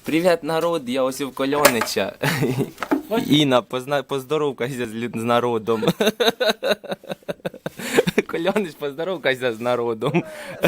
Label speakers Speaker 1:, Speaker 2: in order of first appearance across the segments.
Speaker 1: Привіт, народ, я ось у Кольонича. Інна, поздоровкайся з народом. Кольонич, поздоровкайся з народом.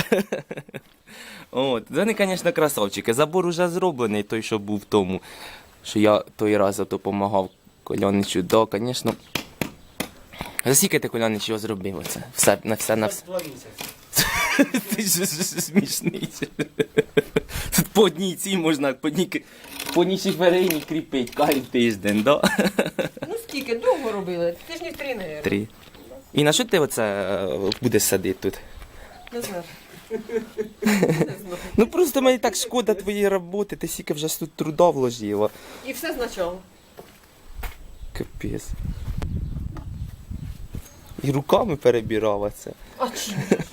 Speaker 1: От, вони, звісно, красавчики. Забор уже зроблений, той, що був в тому, що я той раз допомагав Кольоничу. Да, звісно. За скільки ти, Кольонич, його зробив оце? Все.
Speaker 2: 2 місяці.
Speaker 1: Ти ж смішний. Тут по одній цій можна, по одній шиферині кріпить кожен тиждень, да?
Speaker 3: Ну скільки? Довго робили? Тижнів 3, мабуть.
Speaker 1: 3. І на що ти оце будеш садити тут?
Speaker 3: Не знаю.
Speaker 1: Ну просто мені так шкода твоєї роботи, ти стільки вже тут труда вложила.
Speaker 3: І все спочатку.
Speaker 1: Капець. І руками перебирала це.
Speaker 3: А чим?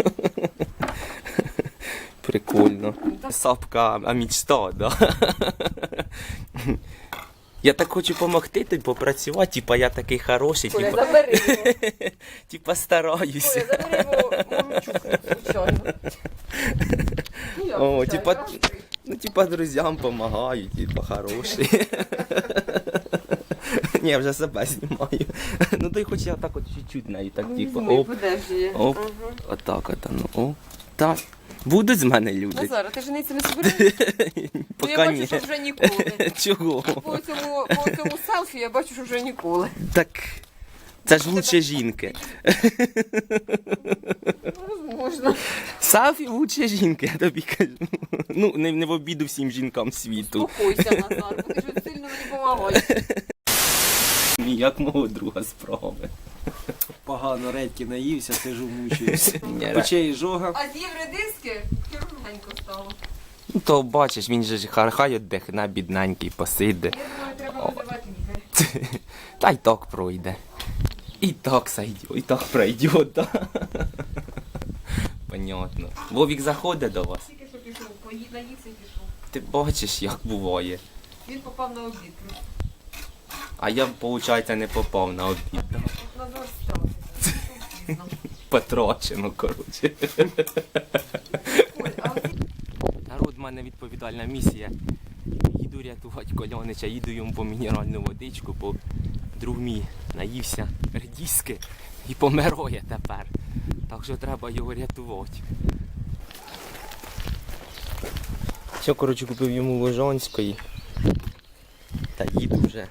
Speaker 1: Прикольно. Сапка, а мечта, да? Я так хочу допомогти тобі попрацювати, типа я такий хороший,
Speaker 3: Коля,
Speaker 1: типа,
Speaker 3: забери його.
Speaker 1: типа стараюся.
Speaker 3: Коля, забери його мамчук, звичайно.
Speaker 1: О, типа друзям допомагаю, типа хороший. Ні, я вже себе знімаю. Ну то й хоч я так от чуть-чуть нею, так типа, оп, оп, отак от, ну, о, так. Будуть з мене люди?
Speaker 3: Назар, ти жениться не збираєшся? Я
Speaker 1: Поки
Speaker 3: бачу,
Speaker 1: ні.
Speaker 3: що вже ніколи.
Speaker 1: Чого?
Speaker 3: По цьому селфі я бачу, що вже ніколи.
Speaker 1: Так, це ж лучше жінки.
Speaker 3: Можна.
Speaker 1: Сафі лучше жінки, я тобі кажу. Ну, не в обіду всім жінкам світу.
Speaker 3: Спокойся, Назар, бо ти ж сильно мені допомагаєш.
Speaker 1: Як мого друга справи.
Speaker 2: Погано редьки наївся, сижу мучуюся.
Speaker 1: Ні,
Speaker 2: Очей жога.
Speaker 3: А з'їв редиски, кругленько стало.
Speaker 1: Ну то бачиш, він же ж хай віддихне, бідненький, посиде.
Speaker 3: Я думаю, треба визивати лікаря.
Speaker 1: Та й так пройде. І так сойде, і так пройде, да. Понятно. Вовік заходить до вас.
Speaker 3: Тільки що пішов, наївся і пішов.
Speaker 1: Ти бачиш, як буває.
Speaker 3: Він попав на обід.
Speaker 1: А я, виходить, не попав на обід. Да?
Speaker 3: Назар став.
Speaker 1: Потрачено, коротше.
Speaker 3: Оль, а от
Speaker 1: Народ, в мене відповідальна місія. Їду рятувати Кольонича, їду йому по мінеральну водичку, бо друг мій наївся редіски і помирає тепер. Так що треба його рятувати. Все, коротше, купив йому Лежанської. Та їду вже.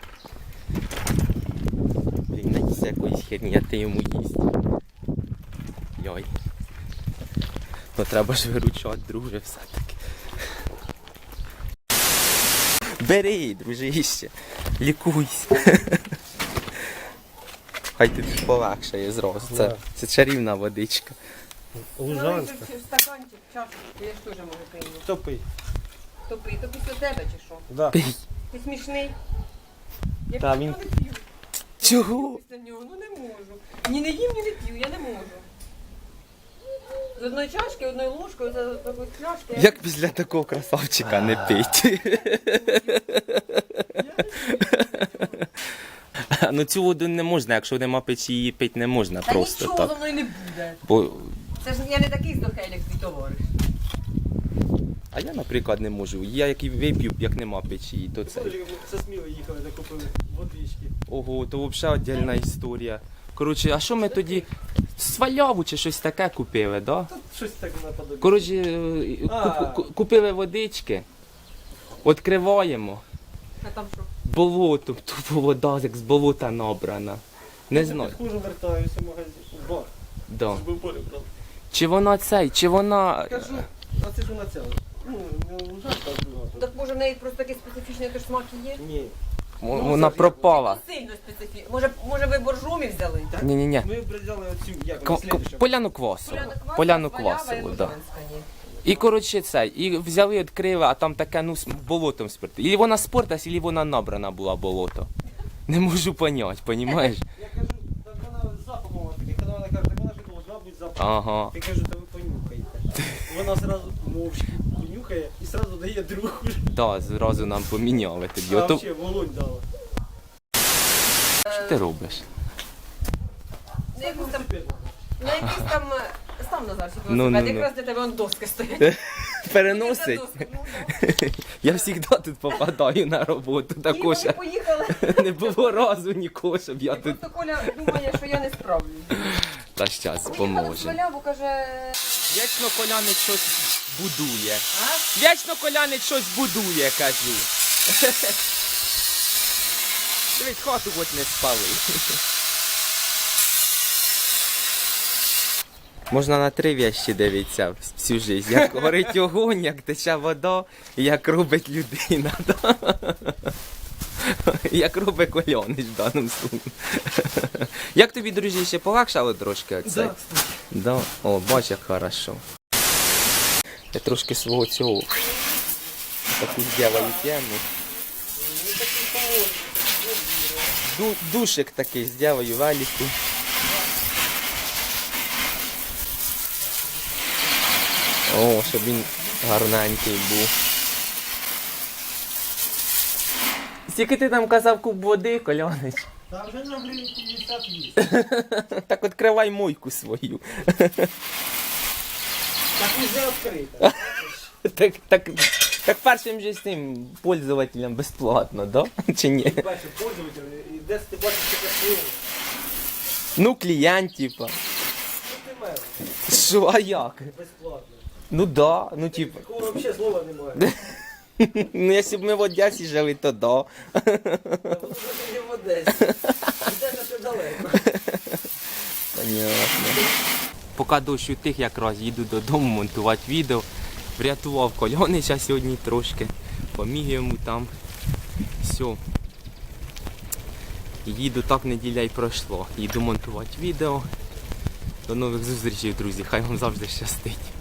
Speaker 1: Він наївся якоїсь херні, а ти йому їсть. Йой. Ну треба ж виручати, друже, все-таки. Бери, дружище, лікуйся. Хай тобі полегшає зразу. Це чарівна водичка.
Speaker 2: Лужанська.
Speaker 3: в стаканчик, чашку, я ж теж можу прийняти.
Speaker 2: Хто пий?
Speaker 3: То пий, то після тебе чи що?
Speaker 2: Да.
Speaker 1: Пий.
Speaker 3: Ти смішний? Я
Speaker 1: Та
Speaker 3: після
Speaker 1: він-
Speaker 3: нього не п'ю.
Speaker 1: Чого?
Speaker 3: Після нього, ну не можу. Ні не їм, ні не п'ю, я не можу. З одної чашки, одною ложкою, з такої пляшки.
Speaker 1: Як після такого красавчика не пить? Ну цю воду не можна, якщо нема печі, її пити не можна
Speaker 3: Та
Speaker 1: просто
Speaker 3: нічого зо
Speaker 1: так.
Speaker 3: мною не буде.
Speaker 1: Бо...
Speaker 3: Це ж я не такий здохель, як твій товариш.
Speaker 1: А я, наприклад, не можу. Я як і вип'ю, як нема печі, то це.
Speaker 2: Це сміло їхали, де купили водички.
Speaker 1: Ого, то взагалі віддільна історія. Коротше, а що ми тоді сваляву чи щось таке купили, да?
Speaker 2: Тут щось так наподобі.
Speaker 1: Коротше,
Speaker 2: А.
Speaker 1: купили водички, відкриваємо,
Speaker 3: А там що?
Speaker 1: болото, тупо вода як з болота набрана. Не знаю.
Speaker 2: Хуже вертаюся в магазин. В бар.
Speaker 1: Да.
Speaker 2: Щоб полі брав.
Speaker 1: Чи вона цей, чи вона...
Speaker 2: Кажу, а це ж вона ця. Ну, не лужанка, а друга.
Speaker 3: Так може в неї просто такий специфічний теж смак і є?
Speaker 2: Ні.
Speaker 1: Вона пропала.
Speaker 3: Сильно специфічний. Може ви боржомі взяли?
Speaker 1: Ні-ні-ні.
Speaker 2: Ми взяли оцю, як вона, слідуща.
Speaker 1: Поляну квасову. Поляну квасову, да. І, коротше, це, і взяли, відкрили, а там таке, ну, з болотом спирти. Ілі вона спортилась, ілі вона набрана була болото. Не можу поняти, понімаєш?
Speaker 2: Я кажу, так вона з запахом такий. Коли вона каже, так вона ж должна бути запахом.
Speaker 1: Ага.
Speaker 2: Я кажу, та ви понюхайте. Вона зразу мовчки понюхає і зразу дає другу.
Speaker 1: Да, зразу нам поміняли тоді.
Speaker 2: А
Speaker 1: Ото...
Speaker 2: взагалі волонь дала.
Speaker 1: Що ти робиш?
Speaker 3: На якийсь там став Назарчик
Speaker 1: Ну,
Speaker 3: велосипед,
Speaker 1: ну, ну.
Speaker 3: якраз для тебе вон доски стоять.
Speaker 1: переносить.
Speaker 3: Доску, ну, да.
Speaker 1: Я завжди тут попадаю на роботу,
Speaker 3: І
Speaker 1: також
Speaker 3: вони поїхали.
Speaker 1: не було разу нікого, щоб я
Speaker 3: І
Speaker 1: тут.
Speaker 3: просто Коля думає, що я не справлюсь.
Speaker 1: Та щас
Speaker 3: Поїхали з
Speaker 1: поможе.
Speaker 3: Валяву, каже,
Speaker 1: Вічно Колянич щось будує.
Speaker 3: а?
Speaker 1: Вічно Колянич щось будує, кажу. Дивись, хату хоч не спали. Можна на 3 вещі дивитися всю життя. Як горить огонь, як тече вода, і як робить людина. Да? Як робить Колянич в даному случаю. Як тобі, друзі, ще полегшало трошки оце?
Speaker 2: Да, кстати.
Speaker 1: Да? О, бач, як хорошо. Я трошки свого цього таку зробив тему. Душик такий зроблю валіку. О, щоб він гарненький був. Скільки ти там казав куб води, Колянич?
Speaker 2: Та вже на гривні 50 є.
Speaker 1: Так відкривай мойку свою.
Speaker 2: Так уже відкрита.
Speaker 1: Так першим же з цим пользователям безплатно, да? Чи ні?
Speaker 2: Ти бачиш, пользователь, і десь ти бачиш таке слово.
Speaker 1: Ну, клієнт, типа.
Speaker 2: Ну ти мер,
Speaker 1: Що, а як?
Speaker 2: безплатно.
Speaker 1: Ну да, ну типа.
Speaker 2: Такого взагалі слова немає.
Speaker 1: Ну, якщо б ми в Одесі жили, то да.
Speaker 2: Та воно вже не в Одесі. Одеса ще далеко.
Speaker 1: Понятно. Поки дощ утих, якраз їду додому монтувати відео. Врятував Колянича сьогодні трошки. Поміг йому там. Все. Їду, так неділя й пройшла. Їду монтувати відео. До нових зустрічей, друзі. Хай вам завжди щастить.